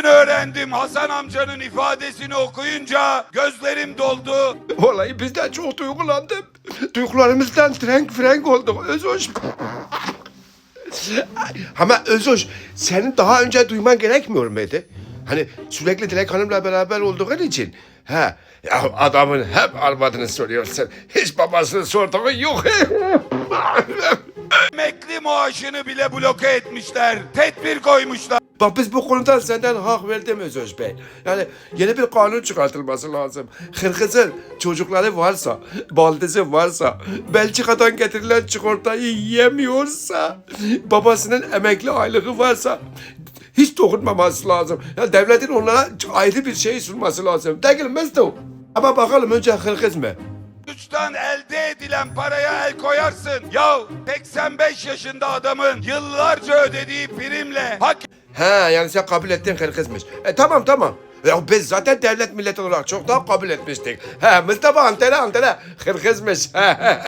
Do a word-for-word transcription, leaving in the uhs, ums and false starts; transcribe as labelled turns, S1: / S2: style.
S1: Bugün öğrendim, Hasan amcanın ifadesini okuyunca gözlerim doldu.
S2: Vallahi biz de çok duygulandım. Duygularımızdan frenk frenk olduk Özhoş. Ama Özhoş, senin daha önce duyman gerekmiyor muydu? Hani sürekli Dilek Hanım'la beraber olduğun için. Ha, ya adamın hep arvadını soruyorsun. Hiç babasını sorduğun yok.
S1: Emekli maaşını bile bloke etmişler. Tedbir koymuşlar.
S2: Bak biz bu konuda senden hak verdim Özhoş Bey. Yani yeni bir kanun çıkartılması lazım. Kırgız'ın çocukları varsa, baldızı varsa, Belçika'dan getirilen çikolatayı yiyemiyorsa, babasının emekli aylığı varsa hiç dokunmaması lazım. Ya devletin onlara ayrı bir şey sunması lazım. Değil mi Mesut? Ama bakalım önce Kırgız mı?
S1: Suçtan elde edilen paraya el koyarsın. Ya seksen beş yaşında adamın yıllarca ödediği primle hak
S2: He yani sen kabul ettin Kırgız'mış. E tamam tamam. Ya biz zaten devlet millet olarak çok daha kabul etmiştik. He Mustafa antene antene Kırgız'mış.